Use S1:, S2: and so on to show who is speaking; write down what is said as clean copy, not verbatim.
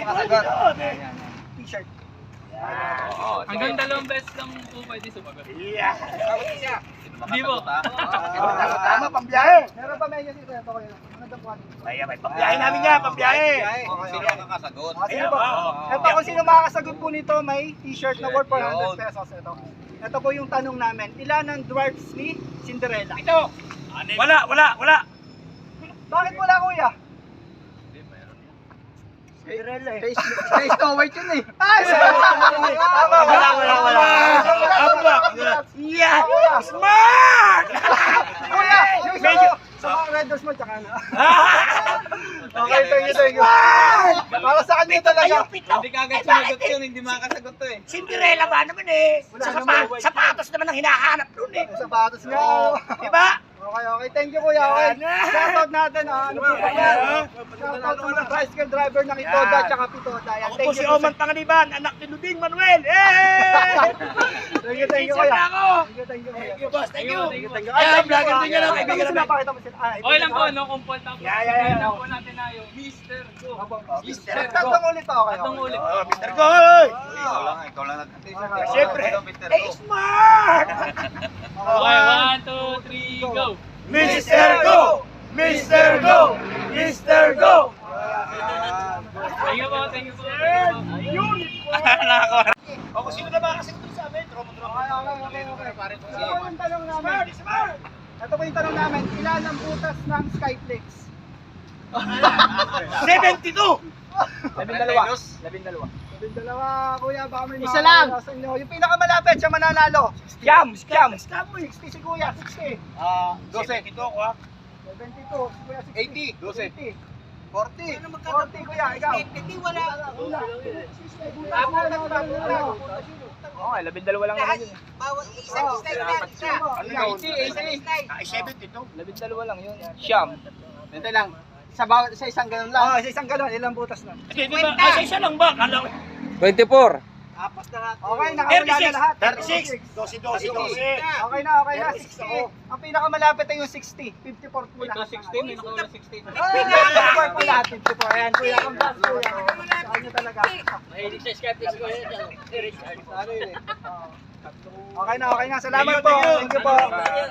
S1: makasagot.
S2: T-shirt.
S3: Hanggang 2 beses lang po pwede sumagot. Hindi mo.
S2: Tama, pambiyahe. Meron pa medyo dito. Ito ko yun. Ano daw po?
S1: May pambiyahe namin yan, pambiyahe.
S4: Sino ang kakasagot?
S2: Sino po? Ito kung sino makakasagot po nito, may t-shirt na worth 400 pesos. Ito po yung tanong namin. Ilan ang dwarfs ni Cinderella?
S1: Ito. Wala.
S2: Bakit wala, kuya? Cinderella eh.
S4: Face Snow White yun eh.
S2: Ay, tama, wala.
S1: Yeah! Smart!
S2: Kuya, yung sa mga Red Doors mo, tsaka na. Okay, thank you. Para sa kanya talaga.
S4: Hindi kagad sumagot yun, hindi makakasagot to eh.
S1: Cinderella ba naman eh? Sapatos naman ang hinahanap doon eh.
S2: Sapatos nga.
S1: Diba?
S2: Okay, thank you kuya. Okay. Shoutout natin ano po ba? Shoutout sa mga tricycle driver ng Itoda at Pitoda. Yan,
S1: Ako po
S2: thank
S1: si
S2: you.
S1: Oman Panganiban, anak ni Luding Manuel. Eh!
S2: Thank you kuya. Thank you kuya.
S1: Boss, thank you.
S2: Ay,
S1: vlogger din yan, okay, bigyan namin.
S2: Pakita mo sila.
S3: Okay lang po, no? Kumpol tapos.
S1: Yeah.
S3: Lang po natin na yung Mr. Go.
S2: Tatlong ulit ako kayo.
S3: Tatlong ulit.
S1: Mr. Goy!
S4: Ikaw lang natin.
S1: Siyempre, smart!
S3: Okay, 1, 2, 3, go!
S1: Mr. Go! Mr. Go! Mr. Go!
S3: Thank you po.
S1: Ayun! O kung sino na makakasagot sa amin, tromo-tromo.
S2: Okay. Ito po yung tanong namin. Ito po yung tanong namin. Ilan ang butas ng Skyflex?
S1: 72!
S2: 12, kuya, baka may
S4: Isa lang.
S2: sa inyo. Yung pinakamalapit, siya mananalo.
S1: Scam!
S2: 60 si kuya, 60.
S1: 12. Ito ako ha.
S2: 72, si kuya 60.
S4: 80.
S2: 40. 40 kuya, ikaw. Hindi, wala.
S1: Okay, 12 lang naman yun.
S2: Bawal isang isa.
S1: Ano na? 72.
S4: 12 lang yun. Siyam.
S2: Ito lang. Sa isang galon lang. Oo, sa isang galon. Ilang butas na?
S1: Hindi ba? Isa lang ba? Kala ko.
S4: 24.
S2: Apas na lahat. Okay, nakawala na lahat.
S1: 36. 12.
S2: Okay na. 60. Ang pinakamalapit ay yung 60. 54 po
S3: Ito
S2: lahat.
S3: 16, may nakuha 16.
S2: 54 po lahat. 54. Ayan, kuya. Congrats, kuya. Sa kanya talaga.
S3: Mahilig sa skeptics ko yun.
S2: Okay na. Salamat po. Thank you po.